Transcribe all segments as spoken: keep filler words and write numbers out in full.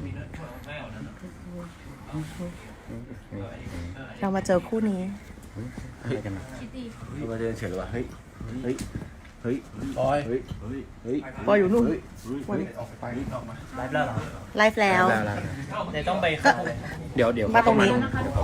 เรามาเจอคู่นี้อะไรกันนะเรามาเดินเฉยหรือวะเฮ้ยเฮ้ยเฮ้ยปอยเฮ้ยเฮ้ยปอยอยู่นู่นไลฟ์แล้วเหรอไลฟ์แล้วเดี๋ยวต้องไปเข้าเดี๋ยวเดี๋ยวมาตรงนี้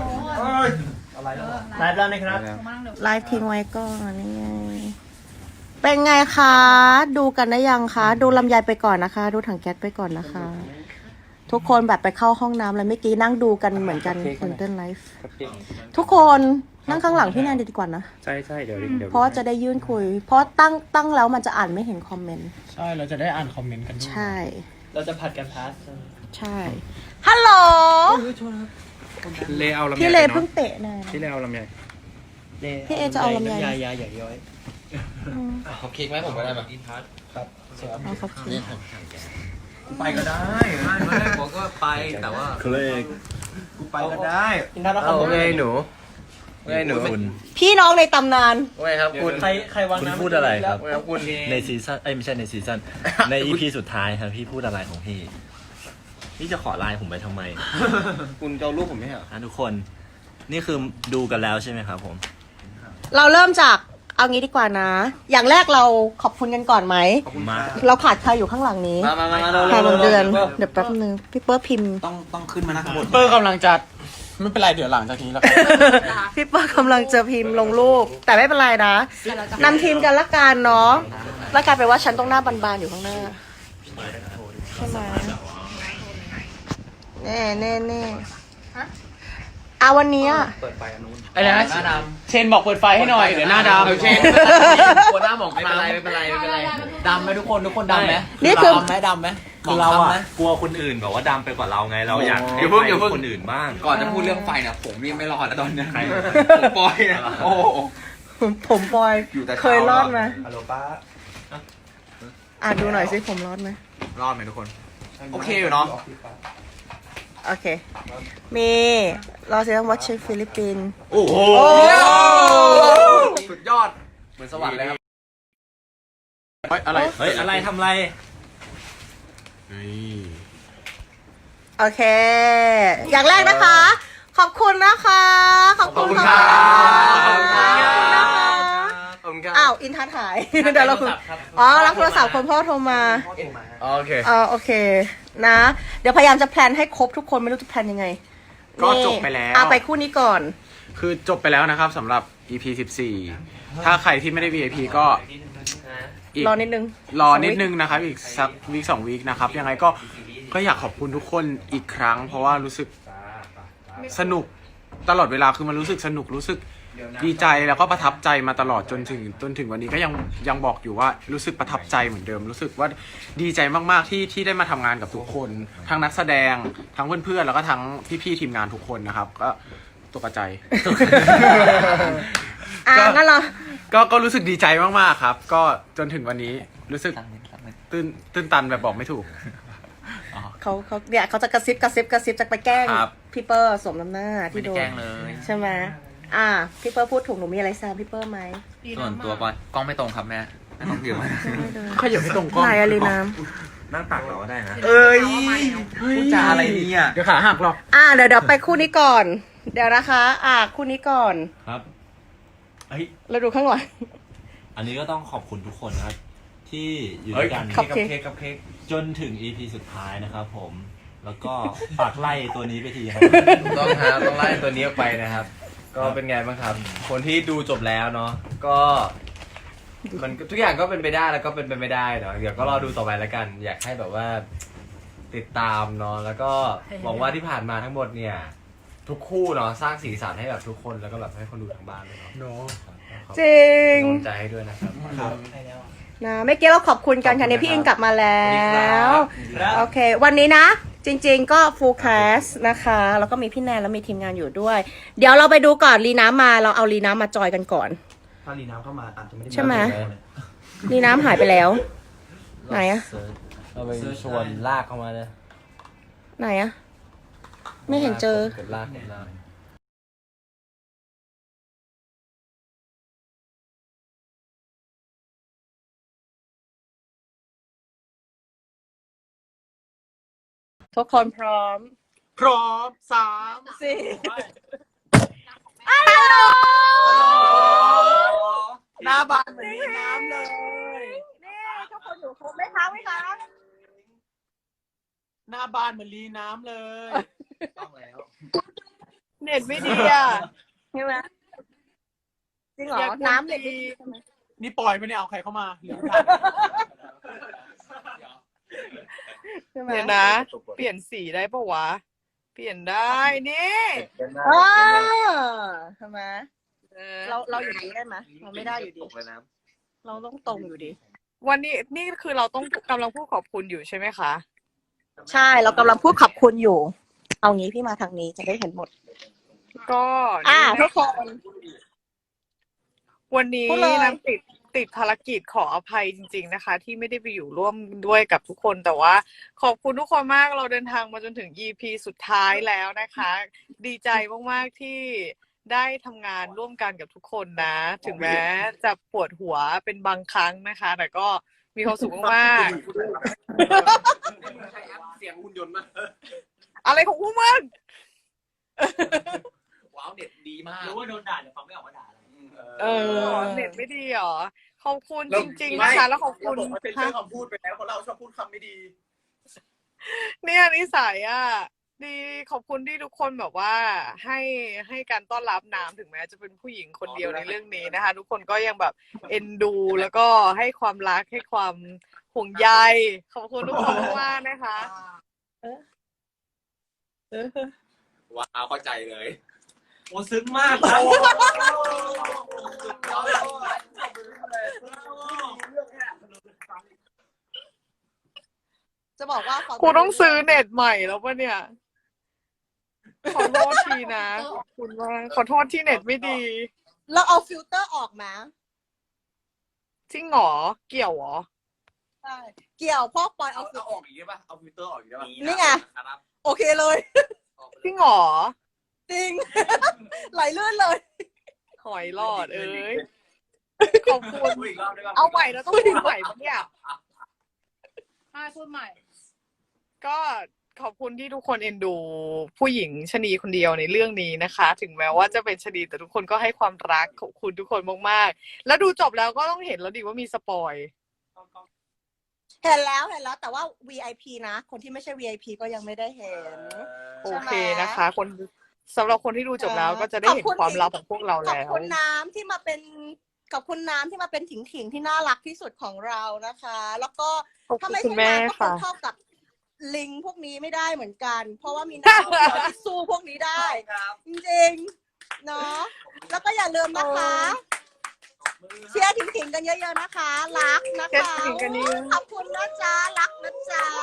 ไลฟ์แล้วนะครับไลฟ์ทิ้งไว้ก่อนนี่ไงเป็นไงคะ ดูกันได้ยังคะ ดูลำไยไปก่อนนะคะ ดูถังแก๊สไปก่อนนะคะ ทุกคนแบบไปเข้าห้องน้ำแล้วเมื่อกี้นั่งดูกันเหมือนกันคุณเต้นไลฟ์ทุกคนนั่งข้างหลังพี่แนนดีกว่านะใช่ใช่เดี๋ยวเดี๋ยวเพราะจะได้ยื่นคุย เพราะตั้งตั้งแล้วมันจะอ่านไม่เห็นคอมเมนต์ใช่เราจะได้อ่านคอมเมนต์กันใช่เราจะผัดกันพาสใช่ฮัลโหลเลเอาลำไยพี่เลเพิ่งเตะนะพี่เลเอาลำไยพี่เอจะเอาลำไยยายาใหญ่ย้อยเขาเค้กไหมผมก็ได้แบบอินทัชครับเอาครับไปก็ได้ไม่ได้บอกก็ไปแต่ว่าเคลกกูไปก็ได้อินทัชแล้วเอาไงหนูไงหนูพี่น้องในตำนานไงครับคุณใครใครวางคุณน้ำพูดอะไรครับคุณในซีซั่นเอ้ยไม่ใช่ในซีซั่นใน อี พี สุดท้ายครับพี่พูดอะไรของพี่พี่จะขอไลน์ผมไปทำไมคุณจะเอารูปผมไหมเหรอทุกคนนี่คือดูกันแล้วใช่ไหมครับผมเราเริ่มจากเอางี้ดีกว่านะอย่างแรกเราขอบคุณกันก่อนไหมเราขาดใครอยู่ข้างหลังนี้มามามาใครบนเดือนเดี๋ยวแป๊บนึงพี่เปิ้ลพิมพ์ต้องต้องขึ้นมานะพี่เปิ้ลกำลังจัดไม่เป็นไรเดี๋ยวหลังจากนี้แล้วพี่เปิ้ลกำลังจะพิมพ์ลงรูปแต่ไม่เป็นไรนะนำทีมกันละกันเนาะละกันแปลว่าฉันต้องหน้าบานๆอยู่ข้างหน้าใช่ไหมแน่แน่แน่อาวันนี้ไอ้นะเชนบอกเปิดไฟให้หน่อยเดี๋ยวหน้าดำเชนกลัวหน้าหมองไม่เป็นไรไม่เป็นไรไม่เป็นไรดำไหมทุกคนทุกคนดำไหมนี่คือดำไหมดำไหมคือเราอะกลัวคนอื่นแบบว่าดำไปกว่าเราไงเราอยากให้คนอื่นบ้างก่อนจะพูดเรื่องไฟเนี่ยผมนี่ไม่รอดแล้วตอนนี้ผมปอยนะโอ้ผมปอยเคยรอดไหมฮัลโหลป้าอ่ะดูหน่อยสิผมรอดไหมรอดไหมทุกคนโอเคอยู่เนาะโอเคมีรอเสียงวัชเชฟฟิลิปปินส์โอ้โหสุดยอดเหมือนสวรรค์เลยครับเฮ้ยอะไรเฮ้ยอะไรทำอะไรโอเคอย่างแรกนะคะขอบคุณนะคะขอบคุณค่ะขอบคุณค่ะอ้าวอินทัศน์หายเดี๋ยวเราคุยอ๋อรับโทรศัพท์คนพ่อโทรมาโอเคอ๋อโอเคนะเดี๋ยวพยายามจะแพลนให้ครบทุกคนไม่รู้จะแพลนยังไงก็จบไปแล้วเอาไปคู่นี้ก่อนคือจบไปแล้วนะครับสำหรับ อี พี สิบสี่ ถ้าใครที่ไม่ได้ วี ไอ พี ก็รอนิดนึงรอนิดนึงนะครับอีกสักวีคสองวีคนะครับยังไงก็ก็อยากขอบคุณทุกคนอีกครั้งเพราะว่ารู้สึกสนุกตลอดเวลาคือมันรู้สึกสนุกรู้สึกดีใจแล้วก็ประทับใจมาตลอดจนถึงจนถึงวันนี้ก็ยังยังบอกอยู่ว่ารู้สึกประทับใจเหมือนเดิมรู้สึกว่าดีใจมากๆที่ที่ได้มาทำงานกับทุกคนทั้งนักแสดงทั้งเพื่อนๆแล้วก็ทั้งพี่ๆทีมงานทุกคนนะครับก็ตกใจอ่ะงั้นเราก็ก็รู้สึกดีใจมากๆครับก็จนถึงวันนี้รู้สึกตื้นตื้นตันแบบบอกไม่ถูกเขาเขาเนี่ยเขาจะกระซิบกระซิบกระซิบจะไปแกล้งพี่เปอร์สมน้ำหน้าที่โดนใช่ไหมอ่าพี่เปอร์พูดถูกหนูมีอะไรแซมพี่เปอร์ไหมส่วนตัวปอยกล้องไม่ตรงครับแม่ไม่ตรงเกี่ยวไหมเขาอย่าไม่ตรงกล้องไหนอะลีน้ำนั่งตักเราก็ได้นะเอ้ยพูดจาอะไรเนี่ยเดี๋ยวขาหักหรอกอ่าเดี๋ยวเดี๋ยวไปคู่นี้ก่อนเดี๋ยวนะคะอ่าคู่นี้ก่อนครับเฮ้ยเราดูข้างหลังอันนี้ก็ต้องขอบคุณทุกคนนะครับที่อยู่ด้วยกันกับเค้กกับเค้กจนถึง อี พี สุดท้ายนะครับผมแล้วก็ฝากไล่ตัวนี้ไปทีครับต้องครับต้องไล่ตัวนี้ออกไปนะครับก็เป็นไงบ้างครับคนที่ดูจบแล้วเนาะก็มันทุกอย่างก็เป็นไปได้แล้วก็เป็นไปไม่ได้เนาะเดี๋ยวก็รอดูต่อไปแล้วกัน อยากให้แบบว่าติดตามเนาะแล้วก็หวังว่าที่ผ่านมาทั้งหมดเนี่ยทุกคู่เนาะสร้างสีสันให้แบบทุกคนแล้วก็แบบให้คนดูทางบ้านเลยเนาะจริงกำลังใจให้ด้วยนะครับนะเมื่อกี้เราขอบคุณกันค่ะเนี่ยพี่อิงกลับมาแล้วโอเควันนี้นะจริงๆก็ full cast นะคะแล้วก็มีพี่แนนแล้วมีทีมงานอยู่ด้วยเดี๋ยวเราไปดูก่อนลีน้ำมาเราเอาลีน้ำมาจอยกันก่อนถ้าลีน้ำเข้ามาอาจจะไม่ได้ใช่ไหมลีน้ำหายไปแล้วไหนอะเราไปชวนลากเข้ามาเลยไหนอะไม่เห็นเจอลากลากทุกคนพร้อมพร้อมสามสี่หน้าบานเหมือนมีน้ำเลยนี่ทุกคนอยู่ครบไหมคะไหมคะหน้าบานเหมือนลีน้ำเลยต้องแล้วเน็ตไม่ดีอ่ะใช่ไหมจริงเหรอ น้ำเน็ตไม่ดีใช่ไหมนี่ปล่อยไปเนี่ยเอาใครเข้ามาเหลือใช่ไหมเดี๋ยวนะ เปลี่ยนสีได้ปะวะ เปลี่ยนได้นี่อ่าใช่ไหมเออเราเราอยู่ดีได้ไหมเราไม่ได้อยู่ดี เราต้องตรงอยู่ดีวันนี้นี่คือเราต้องกำลังพูดขอบคุณอยู่ใช่ไหมคะใช่เรากำลังพูดขอบคุณอยู่ เอางี้พี่มาทางนี้จะได้เห็นหมดก็อ่านี่ทุนะกคนวันนี้พูดเลยน้ำติดติดภารกิจขออภัยจริง ๆนะคะ ที่ไม่ได้ไปอยู่ร่วมด้วยกับทุกคนแต่ว่า ขอบคุณทุกคนมากเราเดินทางมาจนถึง อี พี สุดท้ายแล้วนะคะ ดีใจมากๆที่ได้ทำงานร่วมกันกับทุกคนนะ ถึงแม้จะปวดหัวเป็นบางครั้งนะคะ แต่ก็มีความสุขมากๆเสียงหุ่นยนต์มากอะไรของพวกมึงว้าวเน็ตดีมากรู้ว่าโดนด่าแต่ฟังไม่ออกว่าด่าอะไรเออเน็ตไม่ดีเหรอ ขอบคุณจริงๆนะคะ แล้วขอบคุณเราเป็นเรื่องคำพูดไปแล้วเพราะเราชอบพูดคำไม่ดีเนี่ยนิสัยอ่ะ ดีขอบคุณที่ทุกคนแบบว่าให้ให้การต้อนรับน้ำถึงแม้จะเป็นผู้หญิงคนเดียวในเรื่องนี้นะคะ ทุกคนก็ยังแบบเอ็นดูแล้วก็ให้ความรักให้ความห่วงใยขอบคุณทุกคนมากๆนะคะว้าวเข้าใจเลยโอ้ซึ้งมากจะบอกว่ากูต้องซื้อเน็ตใหม่แล้วปะเนี่ย ขอโทษทีนะขอบคุณมากขอโทษที่เน็ตไม่ดีเราเอาฟิลเตอร์ออกมาจริงเหรอ เกี่ยวเหรอใช่เกี่ยวพ่อปอยเอาเอาฟิลเอาออกอีกได้ป่ะเอาฟิลเตอร์ออกอีกได้ป่ะนี่ไง โอเคเลยจริงเหรอจริง ไหลเลื่อนเลยหอยหลอดเอ้ย ขอบคุณพูดอีกรอบได้ป่ะเอาใหม่แล้วต้องพูดใหม่ปะเนี่ยใช่พูดใหม่ก็ขอบคุณที่ทุกคนเอ็นดูผู้หญิงชะนีคนเดียวในเรื่องนี้นะคะ ถึงแม้ว่าจะเป็นชะนีแต่ทุกคนก็ให้ความรักขอบคุณทุกคนมากๆ แล้วดูจบแล้วก็ต้องเห็นแล้วดิว่ามีสปอยเห็นแล้วเห็นแล้ว แต่ว่า วี ไอ พี นะ คนที่ไม่ใช่ วี ไอ พี ก็ยังไม่ได้เห็นโอเคนะคะ คนสำหรับคนที่ดูจบแล้วก็จะได้เห็นความลับของพวกเราขอบแล้วคุณน้ำที่มาเป็นขอบคุณน้ำที่มาเป็นถิงถิงๆที่น่ารักที่สุดของเรานะคะ แล้วก็ขอบถ้าคุณไม่คุใช่ณแม่น้ำก็คค่ะงเท่ากับลิงพวกนี้ไม่ได้เหมือนกัน เพราะว่ามีน้ำคนเดียวที่สู้พวกนี้ได้ จริงๆเนาะแล้วก็อย่าลืมนะคะ เชียร์ถิงถิงๆกันเยอะๆนะคะ รักนะเชียร์คะถิงๆกันเยอะขอบคุณนะจ๊ะรักนะจ๊ะ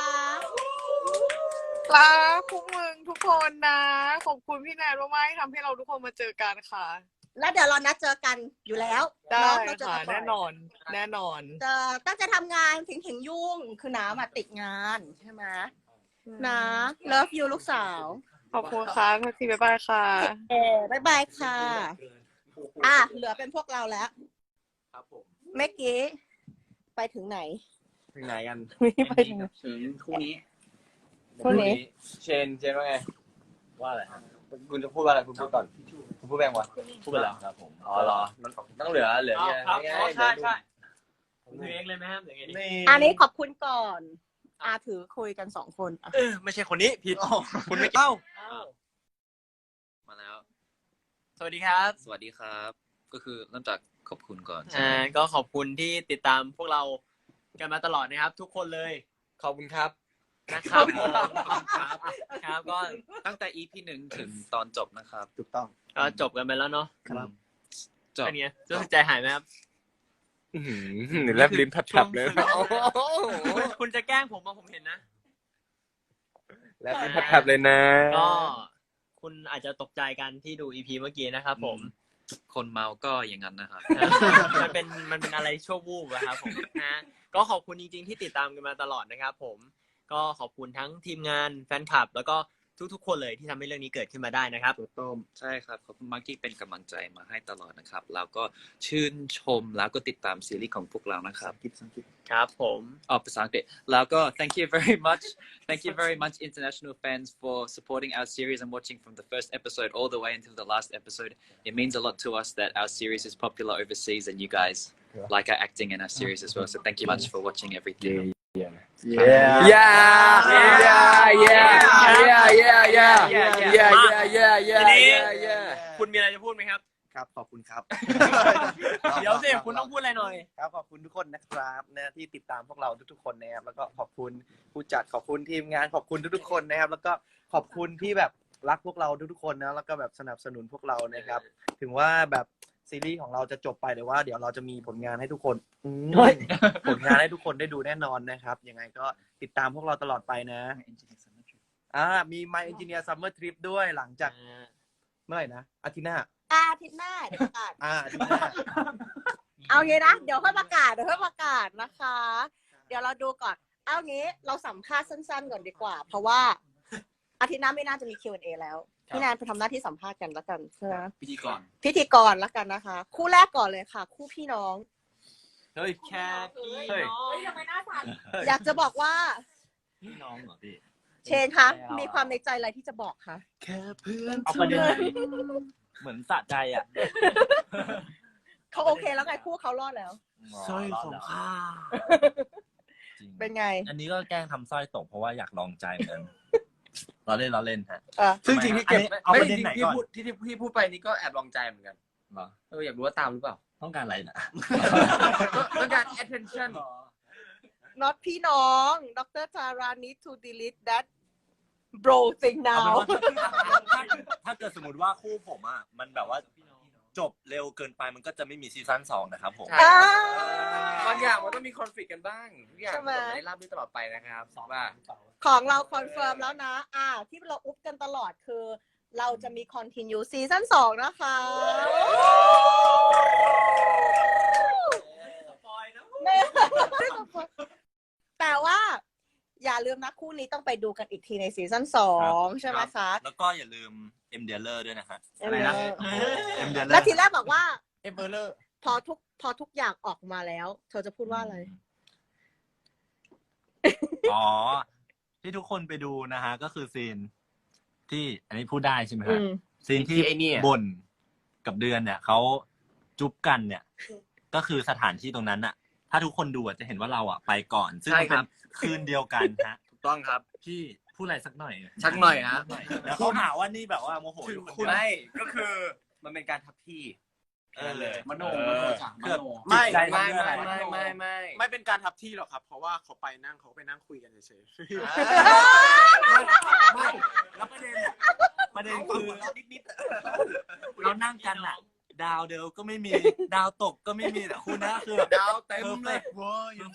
รักพวกมึงทุกคนนะ ขอบคุณพี่แนนมากๆที่ทำให้เราทุกคนมาเจอกันค่ะแล้วเดี๋ยวเรานัดเจอกันอยู่แล้วได้เนาะเราเจอค่ะกันบ่อยแน่นอน แน่นอนจะตั้งใจทำงานถิงถิงๆยุ่งคือน้ำอะติดงานใช่ไหมนะ love you ลูกสาวขอบคุณค่ะทักทีบ๊ายบายค่ะเออบายบายค่ะ อ่ะ เหลือเป็นพวกเราแล้วครับผมเมื่อกี้ ไปถึงไหนถึงไหนกันไม่ไปถึงถึงคู่นี้คู่นี้เชนเชนว่าไงว่าอะไรคุณจะพูดว่าอะไรคุณพูดก่อนคุณพูดแบงวะพูดไปแล้วครับผม อ๋อเหรอ ต้องเหลือเหลือเนี่ยครับง่ายๆใช่ใช่ผมถือเองเลยไหมครับอย่างงี้อันนี้ขอบคุณก่อน อาถือคุยกันสองคนอ่ะเออไม่ใช่คนนี้ผิดคุณไม่เอ้ามาแล้วสวัสดีครับสวัสดีครับ ก็คือเริ่มจากขอบคุณก่อนอ่าก็ขอบคุณที่ติดตามพวกเรากันมาตลอดนะครับ ทุกคนเลย ขอบคุณครับนะครับครับครับก็ตั้งแต่ อี พี หนึ่งถึงตอนจบนะครับถูกต้องก็จบกันไปแล้วเนาะครับ จบเป็นไงรู้สึกใจหายไหมครับแลบลิ้นแผลบๆเลยคุณคุณจะแกล้งผมมาผมเห็นนะแลบลิ้นแผลบๆเลยนะก็คุณอาจจะตกใจกันที่ดู อี พี เมื่อกี้นะครับผมคนเมาก็อย่างนั้นนะครับมันเป็นมันเป็นอะไรชั่ววูบอะครับผมนะก็ขอบคุณจริงๆที่ติดตามกันมาตลอดนะครับผมก็ขอบคุณทั้งทีมงานแฟนคลับ แล้วก็ทุกๆคนเลยที่ทำให้เรื่องนี้เกิดขึ้นมาได้นะครับใช่ครับขอบคุณมากที่เป็นกำลังใจมาให้ตลอดนะครับแล้วก็ชื่นชมแล้วก็ติดตามซีรีส์ของพวกเรานะครับครับผมอ๋อภาษาอังกฤษแล้วก็ thank you very much thank you very much international fans for supporting our series and watching from the first episode all the way until the last episode. It means a lot to us that our series is popular overseas and you guys like our acting in our series as well. So thank you much for watching everything. yeah Yeah, yeah, yeah, yeah, yeah, yeah, yeah, yeah, yeah, yeah, ทีนี้ yeah, yeah. คุณมีอะไรจะพูดไหมครับครับขอบคุณครับเดี๋ยวสิคุณต้องพูดอะไรหน่อยครับขอบคุณทุกคนนะครับนะที่ติดตามพวกเราทุกๆคนนะครับแล้วก็ขอบคุณผู้จัดขอบคุณทีมงานขอบคุณทุกๆคนนะครับ แล้วก็ขอบคุณที่แบบรักพวกเราทุกๆคนนะแล้วก็แบบสนับสนุนพวกเรานะครับ ถึงว่าแบบซีรีส์ของเราจะจบไปแต่ว่าเดี๋ยวเราจะมีผลงานให้ทุกคนอืมผลงานให้ทุกคนได้ดูแน่นอนนะครับยังไงก็ติดตามพวกเราตลอดไปนะอ่ามี My Engineer Summer Trip ด้วยหลังจากเมื่อไหร่นะอาทิตย์หน้าอาทิตย์หน้าเดี๋ยวประกาศอ่าอาทิตย์หน้าเอางี้นะเดี๋ยวค่อยประกาศเดี๋ยวค่อยประกาศนะคะ เดี๋ยวเราดูก่อนเอางี้เราสัมภาษณ์สั้นๆก่อนดีกว่า เพราะว่าอาทิตย์หน้าไม่น่าจะมี คิว แอนด์ เอ แล้วพี่แนนไปทำหน้าที่สัมภาษณ์กันแล้วกันใช่ไหมพิธีกรพิธีกรแล้วกันนะคะ คู่แรกก่อนเลยค่ะ คู่พี่น้องเฮ้ยแค่พี่เฮ้ยทำไมหน้าสั่นอยากจะบอกว่าพี่น้องเหรอพี่เชนคะมีความในใจอะไรที่จะบอกคะแค่เพื่อนเอาประเด็นไหนเหมือนสะใจอ่ะเขาโอเคแล้วไงคู่เขารอดแล้วสร้อยของข้าจริงเป็นไงอันนี้ก็แกล้งทำสร้อยตกเพราะว่าอยากลองใจเหมือนกันเราเล่นเราเล่นฮะเออซึ่งจริงที่เก็บอันนี้เอาประเด็นไหนก่อนที่พูดที่ที่พูดไปนี่ก็แอบลองใจเหมือนกันเหรอเอออยากรู้ว่าตามหรือเปล่าต้องการอะไรนะต้องการ attention not พี่น้องดรจารา need to delete that bro thing เอา now เป็นว่าถ้าถ้าเกิดสมมติว่าคู่ผมอ่ะมันแบบว่าจบเร็วเกินไปมันก็จะไม่มีซีซั่นสองนะครับผมใช่อ่าบางอย่างมันต้องมีคอนฟ lict กันบ้างทุกอย่างใช่ไหมไม่ได้ราบรื่นตลอดไปนะครับว่าของเราคอนเฟิร์มแล้วนะ อ่า ที่เราอุ๊บกันตลอดคือ เราจะมี continue ซีซั่นสองนะคะไม่ไม่สปอยแต่ว่า อย่าลืมนะคู่นี้ต้องไปดูกันอีกทีในซีซั่นสองใช่ไหมคะแล้วก็อย่าลืมเอ็มเดลเลอร์ด้วยนะฮะเอ็มเดลเลอร์เอ็มเดลเลอแล้วร์ทีแรกบอกว่าเอเบอร์เลอร์พอทุกพอทุกอย่างออกมาแล้ว เธอจะพูดว่าอะไรอ๋อ ที่ทุกคนไปดูนะฮะ ก็คือซีนที่อันนี้พูดได้ใช่ไหมอืฮะมซีนที่ไอ้เนี่ยบ่นกับเดือนเนี่ยเขาจุ๊บกันเนี่ย ก็คือสถานที่ตรงนั้นอะถ้าทุกคนดูอะจะเห็นว่าเราอะไปก่อน ซึ่งใช่มันคเป็รันบคืนเดียวกันฮะถูกต้องครับพี่พูดอะไรสักหน่อยสักหน่อยฮะแล้วเขาหาว่านี่แบบว่าโมโหอยู่คนเดียวไม่ก็คือมันเป็นการทับที่เออเลยมโนเอมโนอจ้ะมเกือบโนไม่จิตใจไม่นด้วยไม่อะไรไม่ไม่ไม่ไม่เป็นการทับที่หรอกครับ เพราะว่าเขาไปนั่งเขาไปนั่งคุยกันเฉยไม่แล้วประเด็นประเด็นคือเรานั่งกันอะดาวเดียวก็ไม่มี ดาวตกก็ไม่มีแต่คุณนะคือแบบดาวเต็มเลยเว้ยอยู่เป็น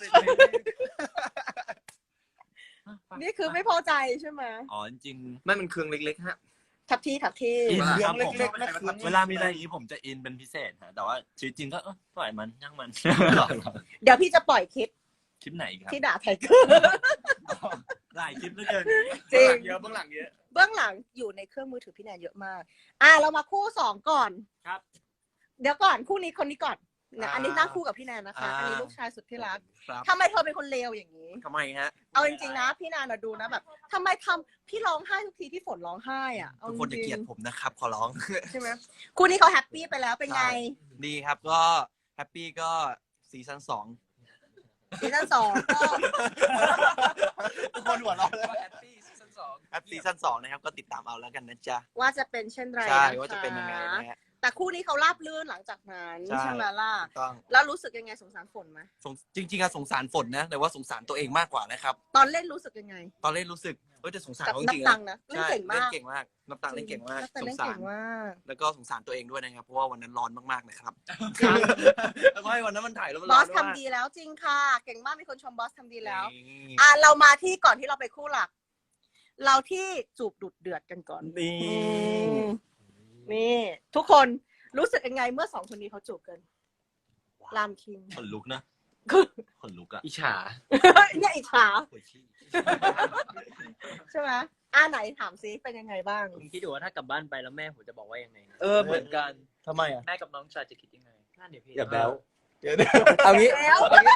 นี่คือไม่พอใจใช่ไหมอ๋อจริงไม่มันเครื่องเล็กๆฮะทับที่ทับที่ๆอินเครื่คอรับงผมเล็กๆนะเครื่องเวลามีอะไรอย่างนี้ผมจะอินเป็นพิเศษฮะแต่ว่าชีวิตจริงก็เออปล่อยมันย่างมันเดี๋ยวพี่จะปล่อยคลิปคลิปไหนอีกครับที่ด่าไทเกอร์หลายคลิปเหลือเกินจริงเยอะเบื้องหลังเยอะเบื้องหลังอยู่ในเครื่องมือถือพี่แนนเยอะมาก อ่ะเรามาคู่สองก่อนครับเดี๋ยวก่อนคู่นี้คนนี้ก่อนนะอ่าอันนี้นั่งคู่กับพี่แนนนะคะอ่าอันนี้ลูกชายสุดที่รักครับทำไมเธอเป็นคนเลวอย่างนี้ทำไมฮะเอาจริงๆนะ พี่แนนนะดูนะแบบทำไมทำพี่ร้องไห้ทุกทีที่ฝนร้องไห้อ่ะเอาทุกจคนจะริเกลียดงผมนะครับ ขอร้องๆใช่ไหมคู่นี้เขาแฮปปี้ไปแล้วเป็นไงดีครับก็แฮปปี้ก็ซีซั่นสองซีซั่นสองก็ทุกคนหัวเราะเลยแฮปปี้ซีซั่นสองแฮปปี้ซีซั่นสองนะครับก็ติดตามเอาแล้วกันนะจ๊ะว่าจะเป็นเช่นไรใช่คว่าจะเป็นยังไงนะฮะแต่คู่นี้เขาราบลื่นหลังจากนั้นใช่ใช่ไหมล่ะถูกต้องแล้วรู้สึกยังไงสงสารฝนไหมสงจริงๆอะสงสารฝนนะ แต่ว่าสงสารตัวเองมากกว่านะครับตอนเล่นรู้สึกยังไงตอนเล่นรู้สึกเฮ้ยแต่สงสารกับเขาจนับริงตัๆงนะค์นะเล่นใช่เก่งเล่มาน กเก่งมากนับตังค์เล่นเก่งมากนับตังสค์เล่งนสาเก่รงมากแล้วก็สงสารตัวเองด้วยนะครับ เพราะว่าวันนั้นร้อนมากๆนะครับแล้วก็ให้วันนั้นมันถ่ายแล้วมันบร้ออนสมากทำดีแล้วจริงค่ะ เก่งมากมีคนชมบอสทำดีแล้วนี่อ่ะเรามาที่ก่อนที่เราไปคู่หลัก เราที่จูบดุดเดือดกันก่อนนี่อืมนี่ ทุกคนรู้สึกยังไงเมื่อสองคนนี้เขาจูบกันรามคิงขนลุกนะคือขนลุกอะอิจฉาเนี่ยอิจฉาปวดขี้ใช่ไหมอ่าไหนถามซิเป็นยังไงบ้างผมคิดดูว่าถ้ากลับบ้านไปแล้วแม่ผมจะบอกว่ายังไงนะเออเหมือนกันทำไมอ่ะแม่กับน้องชายจะคิดยังไงนั่นเดี๋ยวพี่อย่าแบ๊วเอางี้แล้ว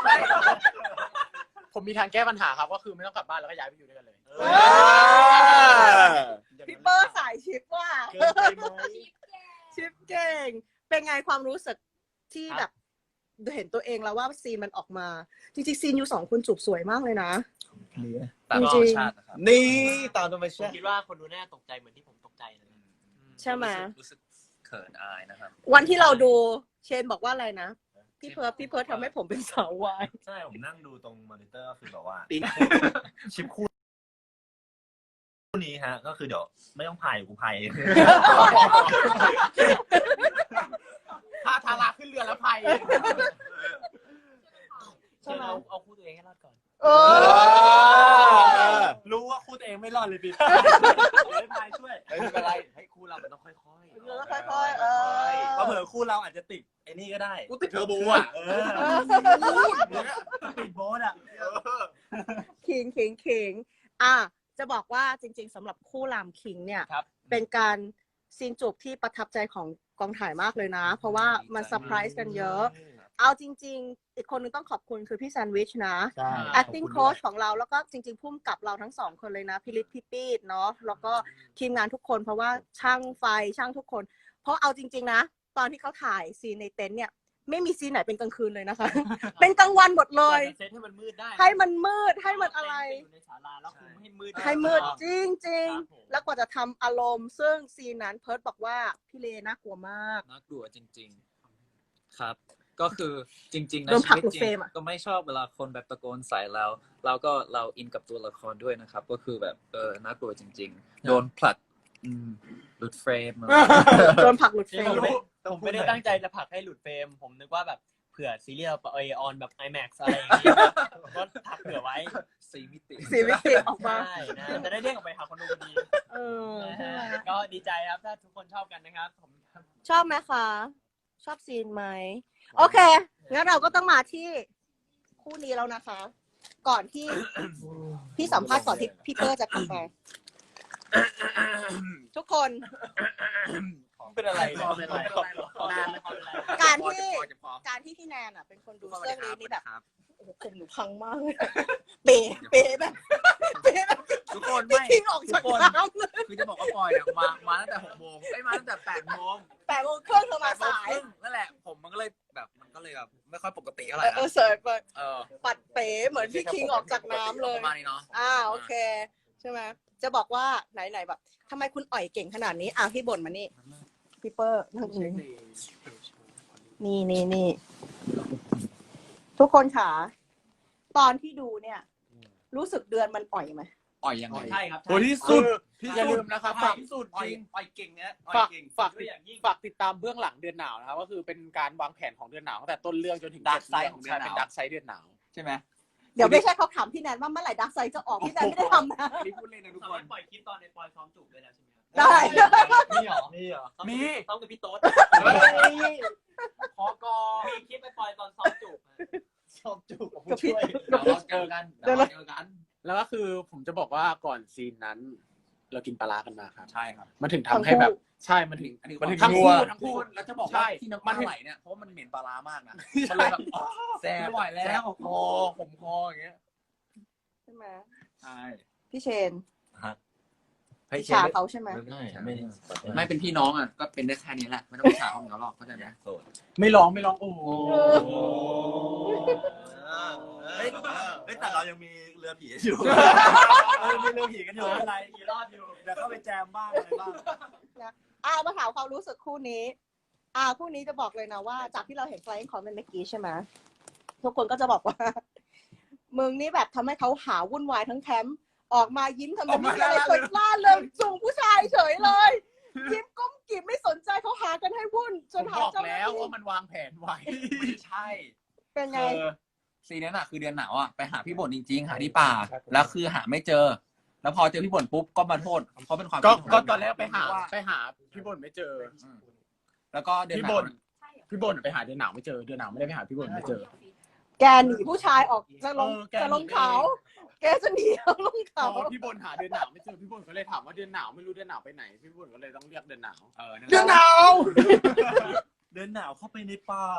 ผมมีทางแก้ปัญหาครับก็คือไม่ต้องกลับบ้านแล้วก็ย้ายไปอยู่ด้วยกันเลยพี่เปอร์สายชิปว่าชิปเก่งเป็นไงความรู้สึกที่แบบเห็นตัวเองแล้วว่าซีนมันออกมาจริงๆซีนอยู่สองคนจูบสวยมากเลยนะตามธรรมชาตินะครับนี่ตามธรรมผมชาติคิดว่าคนดูน่าตกใจเหมือนที่ผมตกใจเลยใช่ไหมรู้สึกเขินอายนะครับวันที่เราดูเชนบอกว่าอะไรนะพี่เพิร์ดพี่เพิร์ดทำให้ผมเป็นสาววายใช่ผมนั่งดูตรงมอนิเตอร์ก็คือแบบว่าชิปคู่นี้ฮะ ก็คือเดี๋ยวไม่ต้องพายกูพายเองถ้าทาราขึ้นเรือแล้วภัยใช่ไหมเอาเอาคู่ตัวเองให้รอดก่อนเออรู้ว่าคู่ตัวเองไม่รอดเลยพี่ไม่พายช่วยไม่เป็นไรให้คู่เรามันต้องค่อยๆเออค่อยๆเออเพราะเผื่อคู่เราอาจจะติดไอ้นี่ก็ได้กูติดเทอร์โบอ่ะเออติดโบ๊ทอ่ะคิงคิงคิงอ่ะจะบอกว่าจริงๆสำหรับคู่รามคิงเนี่ยครับเป็นการซีนจูบที่ประทับใจของกองถ่ายมากเลยนะ เพราะว่ามันเซอร์ไพรส์กันเยอะ เอาจริงๆ อีกคนนึงต้องขอบคุณคือพี่แซนด์วิชนะใช่ acting coach ของเราแล้วก็จริงๆพุ่มกับเราทั้งสองคนเลยนะพิริศพี่ปีดเนาะแล้วก็ทีมงานทุกคนเพราะว่าช่างไฟช่างทุกคน เพราะเอาจริงๆนะ ตอนที่เขาถ่ายซีนในเต็นท์เนี่ยไม่มีซีนไหนเป็นกลางคืนเลยนะคะ เป็นกลางวันหมดเลยเซตให้มันมืดได้ให้มันมืดให้มันอะไรอยู่ในศาลาแล้วคุมให้มืดให้มืดจริงจริงครับผมๆแล้วกว่าจะทำอารมณ์ ซึ่งซีนนั้นเพิร์ดบอกว่าพี่เลน่ากลัวมากน่ากลัวจริงๆ ครับ ก็คือจริงๆโดนะนผลัชีกวิตหลุดจเฟรริงมอะก็ไม่ชอบเวลาคนแบบตะโกนใส่เราเราก็เราอินกับตัวละครด้วยนะครับ ก็คือแบบเออน่ากลัวจริง ๆ โดนผลักอืมหลุดเฟรมโดนผลักหลุดเฟรผมมไม่ผมไม่ได้ตั้งใจจะผลักให้หลุดเฟรม ผมนึกว่าแบบเผื่อซีรีส์เราไปออนแบบ ไอแม็กซ์ อะไรอย่างเงี้ยก็ผลักเผื่อไว้สี่มิติสีวิติออกมาใช่นะจะได้เรียกออกไปหาคนดูพอดีเออนะใช่ฮะไหมก็ดีใจครับถ้าทุกคนชอบกันนะครับผมชอบไหมคะ ชอบซีนไหม โอเค งั้นเราก็ต้องมาที่คู่นี้แล้วนะคะ ก่อนที่ พี่สัมภาษณ์ก่อนที่พี่เตอร์จะกลับมา ทุกคนเป็นอะไรขอเป็นไรขอเป็นไรการที่การที่พี่แนนอ่ะ เป็นคนดูเรื่องนี้นี่แบบโอ้โหผมหนูพังมากเลยเป๋เป๋แบบเป๋แบบทุกคนพี่ไม่ทิ้งออกจากน้ำเลยคือจะบอกว่าปอยเนี่ยมามาตั้งแต่หกโมงไอ้ยมาตั้งแต่แปดโมงแต่โมงเครื่องเธอมาสายนั่นแหละผมมันก็เลยแบบมันก็เลยแบบไม่ค่อยปกติเท่าไหเอร่อเออนะเสิร์ฟไปเออปัดเป๋เหมือนพี่คิงออกจากน้ำเลยประมาณนี้เนาะอ่าโอเค ใช่ไหมจะบอกว่าไหนไหนๆแบบทำไมคุณอ่อยเก่งขนาดนี้อ่ะพี่บ่นมานี่พี่เปอร์นั่งตรงนี้นี่นี่นี่ทุกคนค่ะตอนที่ดูเนี่ย รู้สึกเดือนมันอ่อยไหมอ่อยยังไงใช่ครับโหที่สุดอย่าลืมนะครับฝากที่สุดอ่อจยริงอ่อยเก่งเนี่ยฝากฝากด้วยอย่างยิ่งฝากติดตามเบื้องหลังเดือนหนาวนะครับก็คือเป็นการวางแผนของเดือนหนาวตั้งแต่ต้นเรื่องจนถึง Dark Side ของเดือนหนาวใช่เป็นดักไซด์เดือนหนาวใช่ไหมเดี๋ยวไม่ใช่เขาถามพี่แนนว่าเมื่อไหร่ดักไซด์จะออกพี่แนนไม่ได้ทำนะนี่พูดเล่นนะทุกสาคมารนถปล่อยคลิปตอนในปอยซ้อมจูบด้วยแล้วใช่ไหมครับได้มีเหรอนี่เหรอมีซ้อมกับพี่โต๊ดขอกอมีคลิปไปปอยตอนซ้อมจูบชอบจูบกับกับผู้พี่ช่วยเดี๋ยวเราเจอกันเดี๋ยวเราเจอกันแล้วก็คือผมจะบอกว่าก่อนซีนนั้น เรากินปลาร้ากันมาครับใช่ครับมันถึงทำให้แบบใช่มันถึงอันนี้มันถึงทั้งนัคู่วทั้งคู่แล้วจะบอกใช่ว่าที่น้ำมัมัน นถึงไหลเนี่ยเพราะมันเหม็นปลาร้ามากนะมันเลยแบบแซ่บไม่ไหวแล้วคอผมคออย่างเงี้ยใช่ไหมใช่พี่เชนเฮ้ยฉาเขาใช่ไหมไม่ไม่ได้ไม่เป็นพี่น้องอ่ะก็เป็นได้แค่นี้แหละไม่ต้องไปฉาห้องเขาหรอกเข้าใจไหมโสดไม่ร้องไม่ร้องโอ้โหเฮ้ยเฮ้ยแต่เรายังมีเรือผีอยู่เออมีเรือผีกันอยู่ไม่เป็นไรกี่รอบอยู่เดี๋ยวเข้าไปแจมบ้างอะไรบ้างอ่ามาถามความรู้สึกคู่นี้ อ่าคู่นี้จะบอกเลยนะว่าจากที่เราเห็น Flying Comment เมื่อกี้ใช่ไหมทุกคนก็จะบอกว่า มึงนี่แบบทำให้เขาหาวุ่นวายทั้งแคมป์ออกมายิ้มทำเป็นไม่มีอะไรเกิดล่าเริงจูงผู้ชายเฉยเลย ยิ้มก้มกิ่มไม่สนใจเขาหากันให้วุ่นจผมนหาบอกเจ้าหน้าแล้วที่ว่ามันวางแผนไว้ไม่ใช่เป็นไงคือซีนนั้นอ่ะคือเดือนหนาวอ่ะไปหาพี่บ่นจริงๆหาที่ป่าแล้วคือหาไม่เจอ แล้วพอเจอพี่บ่นปุ๊บก็มาโทษเพราะเป็นความก็ผิดขงก็ผมตอนแรกไปหาว่าไปหาพี่บ่นไม่เจออืมแล้วก็เดือนพี่หนาบ่วนพี่บ่นไปหาเดือนหนาวไม่เจอเดือนหนาวไม่ได้ไปหาพี่บ่นไม่เจอแกหนีผู้ชายออกจะลงเออแกจะลงหนีเขาแกจะหนีเอาลงพเขาอพี่บนหาเดือนหนาวไม่เจอพี่บนก็เลยถามว่าเดือนหนาวไม่รู้เดือนหนาวไปไหนพี่บนก็เลยต้องเรียกเดือนหนาวเออเดือนหนาวเดินหนาวเข้าไปในป่า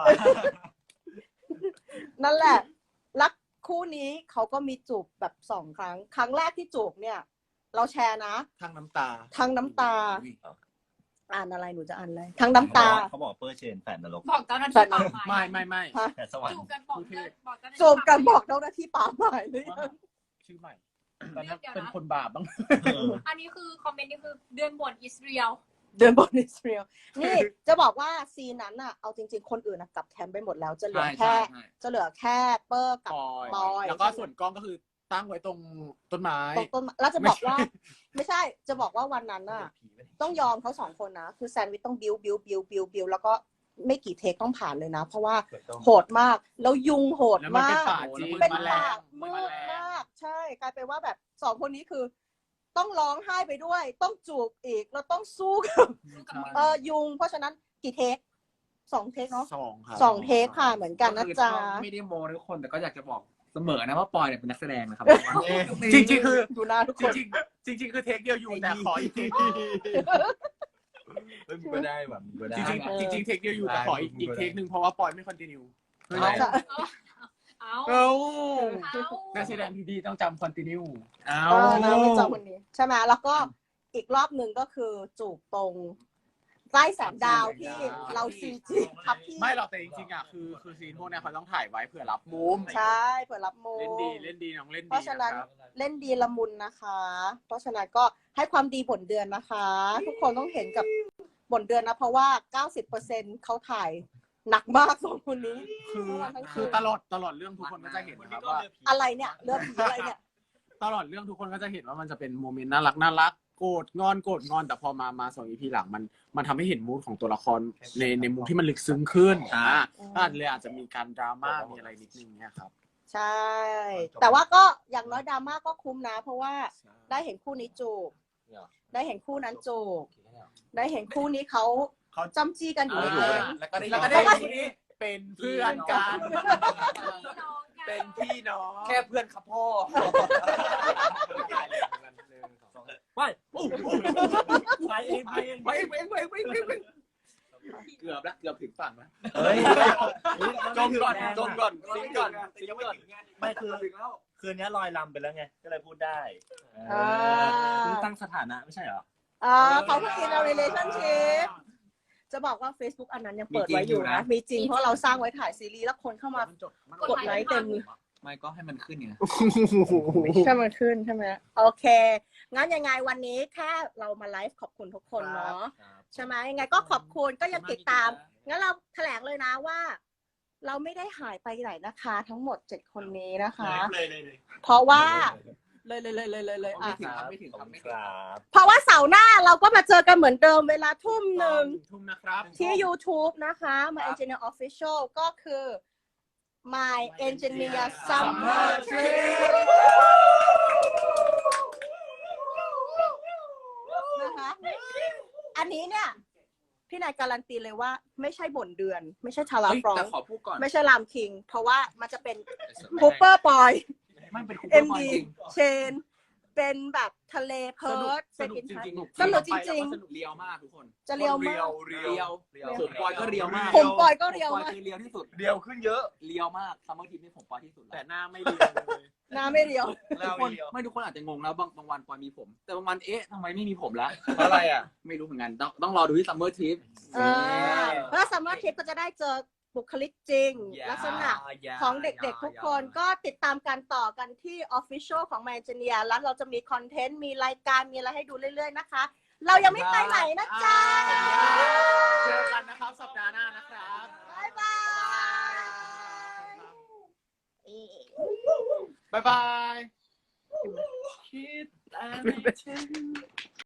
นั่นแหละรักคู่นี้เขาก็มีจูบแบบสองครั้ง ครั้งแรกที่จูบเนี่ย เราแชร์นะทั้งน้ำตาทั้งน้ำตา อ่านอะไรหนูจะอ่านอะไรทั้งน้ำตาเขาบอกเปอร์เชนแฝดนรกบอกเจ้าหน้าที่ป่าไม้ไม่ไม่ไม่แฝดสวรรจูค์บกันบอกเจ้าบอกเจ้าหน้าที่จูบกันบอกเจ้าหน้าที่ป่าไม้เลยชื่อใหม่ตอนนั้นเป็นคนบาปบ้างอันนี้คือคอมเมนต์นี่คือเดือนบ่นอิสราเอลเดินบนอิสราเอลนี่จะบอกว่าซีนนั้นอะเอาจริง ๆ คนอื่นอะกลับแคมป์ไปหมดแล้วจะเหลือแค่จะเหลือแค่เปอร์กับปอยปอยแล้วก็ส่วนกล้องก็คือตั้งไว้ตรงต้นไม้ตรงต้นแล้วจะบอกว่า ไม่ใช่จะบอกว่าวันนั้นอะต้องยอมเขาสองคนนะคือแซนด์วิชต้องบิวบิวบิวบิวบิวแล้วก็ไม่กี่เทคต้องผ่านเลยนะ เพราะว่าโหดมากแล้วยุงโหดแล้วมันมาเป็นกป่าจริงเป็นแมลป่าง มืดมาก ใช่กลายเป็นว่าแบบสองคนนี้คือ ต้องร้องไห้ไปด้วย ต้องจูบอีกแล้วต้องสู้กับเออยุง เพราะฉะนั้นกี่เทคสองเทคเนาะสองครับสองเทคค่ะเหมือนกันนะจ๊ะไม่ได้โมทุกคนแต่ก็อยากจะบอกเสมอนะว่าปอยเนี่ยเป็นนักแสดงนะครับจริงๆคือดูหน้าทุกจคนริงๆจริงๆคือเทคเดียวอยู่แต่ขออีกเทคเฮ้ยมึงก็ได้แบบมึงก็ได้จริงๆจริงๆเทคเดียวอยู่แต่ขออีกอีกเทคหนึ่งเพราะว่าปอยไม่คอนติเนียเอาเอ้าเอานักแสดงที่ดีต้องจำคอนติเนียเอ้าเออนะไม่เจอคนนี้ใช่ไหมแล้วก็อีกรอบหนึ่งก็คือจูบตรงใต้แสงดาวที่เราซีจีทับที่ไม่หรอกแต่จริงๆอ่ะคือคือซีนพวกเนี้ยเขาต้องถ่ายไว้เผื่อรับมุมใช่เปิดรับโมเล่นดีเล่นดีน้องเล่นเพดีราะฉะนั้นนะครับเล่นดีละมุนนะคะ เพราะฉะนั้นก็ให้ความดีผลเดือนนะคะ ทุกคนต้องเห็นกับผลเดือนนะ เพราะว่า เก้าสิบเปอร์เซ็นต์ เขาถ่ายหนักมากสองคนนี้คือคือตลอดตลอดเรื่องทุกคนก็จะเห็นนะครับว่าอะไรเนี่ยเรื่องผีอะไรเนี่ยตลอดเรื่องทุกคนก็จะเห็นว่ามันจะเป็นโมเมนต์น่ารักน่ารักโกรธงอนโกรธงอนแต่พอมามาสองอีพีหลังมันมันทำให้เห็นมูดของตัวละครในในมุมที่มันลึกซึ้งขึ้นอ่าก็อาจเลยอาจจะมีการดราม่ามีอะไรนิดนึงเนี่ยครับใช่ แต่ว่าก็อย่างน้อยดราม่าก็คุ้มนะ เพราะว่าได้เห็นคู่นี้จูบได้เห็นคู่นั้นจูบได้เห็นคู่นี้เขาเขาจำจี้กันอยู่ในเกมแล้วก็ได้แล้วก็ได้ที่เป็นเพื่อนกันเป็นพี่น้องแค่เพื่อนครับพ่อไปอู้ไปเองไปเองไปไปไปไปไปเกือบแล้วเกือบถึงฝั่งแล้วเฮ้ยจมก่อนจมก่อนซิงก่อนซิงก่อนไม่คือคืนนี้ลอยลำไปแล้วไงก็เลยพูดได้อ่าเพิ่งตั้งสถานะไม่ใช่เหรออ่าเขาเพิ่ง in a relationship จะบอกว่า Facebook อันนั้นยังเปิดไว้อยู่นะ มีจริงเพราะเราสร้างไว้ถ่ายซีรีส์แล้วคนเข้ามากดไลค์เต็มไม่ก็ให้มันขึ้นไงใช่มันขึ้นใช่ไหมโอเค งั้นยังไงวันนี้แค่เรามาไลฟ์ขอบคุณทุกคนเนาะใช่ไหมยังไงก็ขอบคุณก็ยังติดตาม งั้นเราแถลงเลยนะว่า เราไม่ได้หายไปไหนนะคะ ทั้งหมดเจ็ดคนนี้นะคะเลยเลยเลยเพราะว่าเลยเลยเลยเลยเลยเลยอ่ะไม่ถึงครับไม่ถึงครับเพราะว่าเสาร์หน้าเราก็มาเจอกันเหมือนเดิมเวลาทุ่มหนึ่งทุ่มนะครับที่ YouTube นะคะ My Engineer Official ก็คือ My Engineer Summer Trip นะคะอันนี้เนี่ย พี่นายการันตีเลยว่าไม่ใช่บ่นเดือน ไม่ใช่ชาลาฟรองแต่ขอพูดก่อนไม่ใช่ลามคิง เพราะว่ามันจะเป็นคูเปอร์ปอยมันเป็นเอ็มดีเชน เป็นแบบทะเลเพิร์ดสนุกจริงๆสนุกจริงสนุกเรียวมากทุกคนๆ จะเรียวมากเรียวผมปอยก็เรียวมากผมปอยก็เรียวผมปมากคือเรียวที่สุดเดียวขึ้นเยอะเรียวมากซัมเมอร์ทีมนี่ผมปอยที่สุดแต่แล้วหน้าไม่เรียวเลยหน้าไม่เรียวทุกคนไม่ทุกคนอาจจะงงแล้วบางบางวันปอยมีผม แต่บางวันเอ๊ะทำไมไม่มีผมละอะไรอ่ะไม่รู้เหมือนกันต้องต้องรอดูที่ซัมเมอร์ทีมเออแล้วซัมเมอร์ทริปก็จะได้เจอบุคลิกจริง ลักษณะของเด็กๆทุกคนก็ติดตามกันต่อกันที่ Official ของ My Engineer แล้วเราจะมีคอนเทนต์ มีรายการ มีอะไรให้ดูเรื่อยๆนะคะ เรายังไม่ไปไหนนะจ๊ะเจอกันนะครับสัปดาห์หน้านะครับบ๊ายบายบ๊ายบายคิดแต่ไม่ถึง